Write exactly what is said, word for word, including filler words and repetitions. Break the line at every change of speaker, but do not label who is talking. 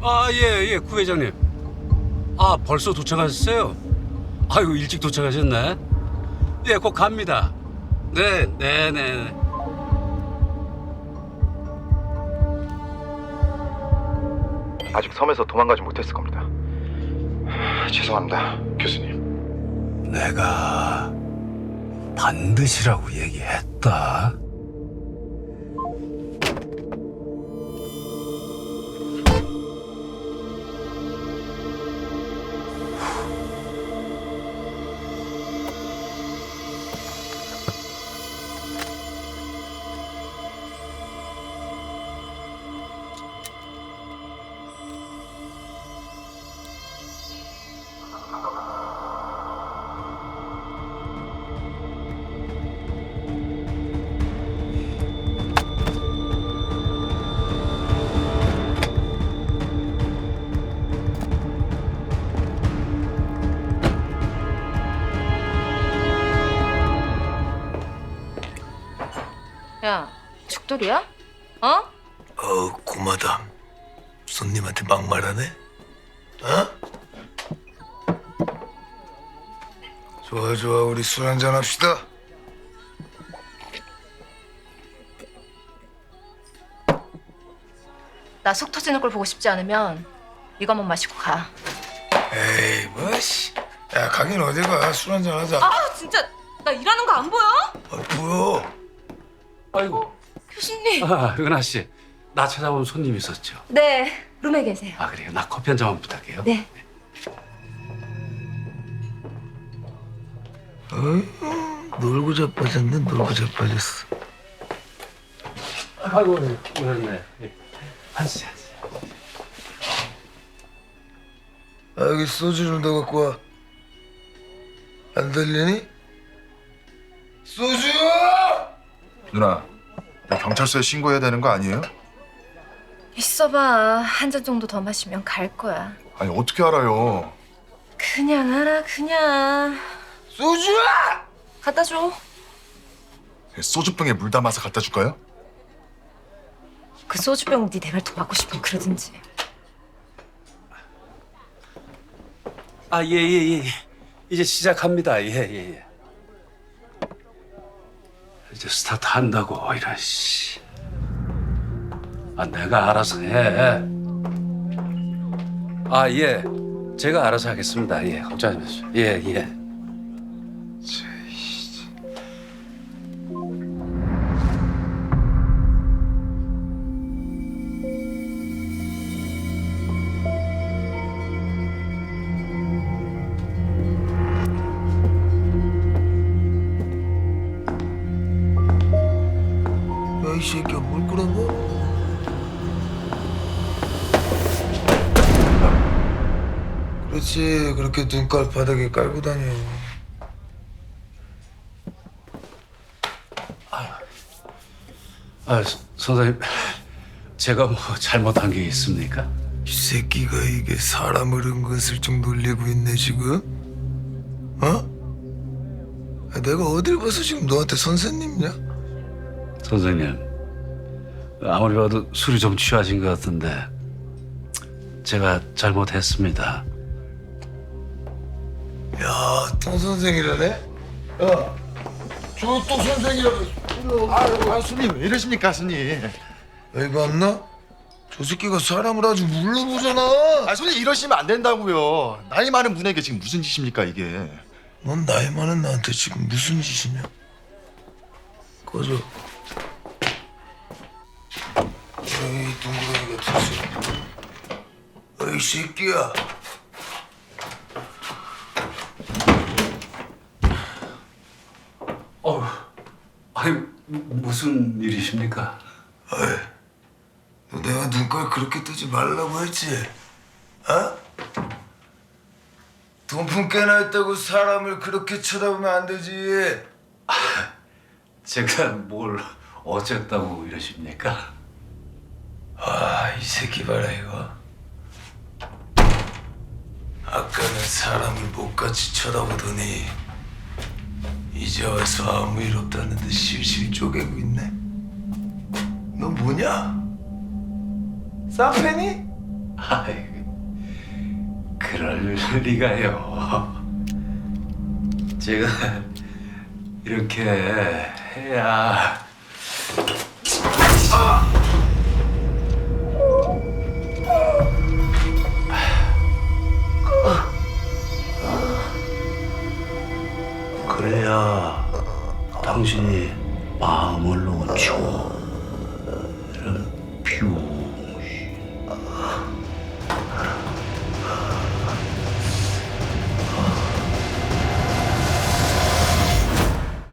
아, 예, 예, 구회장님. 아, 벌써 도착하셨어요? 아유, 일찍 도착하셨네. 예, 곧 갑니다. 네, 네, 네. 네.
아직 섬에서 도망가지 못했을 겁니다. 하, 죄송합니다, 교수님.
내가 반드시라고 얘기했다.
야, 죽돌이야? 어?
어, 고마담. 손님한테 막말하네? 어? 좋아, 좋아. 우리 술 한잔 합시다.
나 속 터지는 걸 보고 싶지 않으면 이거 한번 마시고 가.
에이, 뭐, 씨. 야, 가긴 어디 가. 술 한잔 하자.
아, 진짜 나 일하는 거 안 보여?
아, 보여.
아이고,
교수님.
아, 은하 씨. 나 찾아온 손님 있었죠?
네, 룸에 계세요.
아, 그래요. 나 커피 한 잔만 부탁해요.
네.
놀고 자빠졌네, 놀고 자빠졌어.
아이고, 그렇네. 한 씨, 한 씨.
아, 여기 소주를 더 갖고 와. 안 들리니? 소주!
누나, 나 경찰서에 신고해야 되는 거 아니에요?
있어봐. 한 잔 정도 더 마시면 갈 거야.
아니 어떻게 알아요?
그냥 알아, 그냥.
소주!
갖다 줘.
소주병에 물 담아서 갖다 줄까요?
그 소주병 네 대발 더 맞고 싶으면 그러든지.
아, 예, 예, 예. 이제 시작합니다. 예, 예, 예. 이제 스타트 한다고, 이런 씨. 아, 내가 알아서 해. 아, 예. 제가 알아서 하겠습니다. 예, 걱정하지 마세요. 예, 예.
야, 이 새끼야, 뭘 꾸라고? 그렇지, 그렇게 눈깔 바닥에 깔고 다녀.
아, 서- 선생님. 제가 뭐 잘못한 게 있습니까?
이 새끼가 이게 사람을 은근슬쩍 놀리고 있네, 지금? 어? 아, 내가 어딜 봐서 지금 너한테 선생님이냐?
선생님, 아무리 봐도 술이 좀 취하신 것 같은데 제가 잘못했습니다.
야, 또 선생이라네? 야, 저 또 선생이라고.
아, 아 스님 왜 이러십니까, 스님?
여기 봤나? 저 새끼가 사람을 아주 물러보잖아.
아, 스님 이러시면 안 된다고요. 나이 많은 분에게 지금 무슨 짓입니까, 이게?
넌 나이 많은 나한테 지금 무슨 짓이냐? 꺼져. 에이, 동그라미 같은 새끼. 에이, 새끼야.
어휴, 아니 무슨 일이십니까?
어이, 너 내가 눈깔 그렇게 뜨지 말라고 했지? 어? 돈푼 깨나 했다고 사람을 그렇게 쳐다보면 안 되지.
제가 뭘 어쨌다고 이러십니까?
아, 이 새끼 봐라 이거. 아까는 사람을 못같이 쳐다보더니 이제 와서 아무 일 없다는데 실실 쪼개고 있네. 너 뭐냐? 쌍팬이?
아이, 그럴 리가요. 제가 이렇게 해야 그래야 당신이 마음을 놓죠. 이런 퓨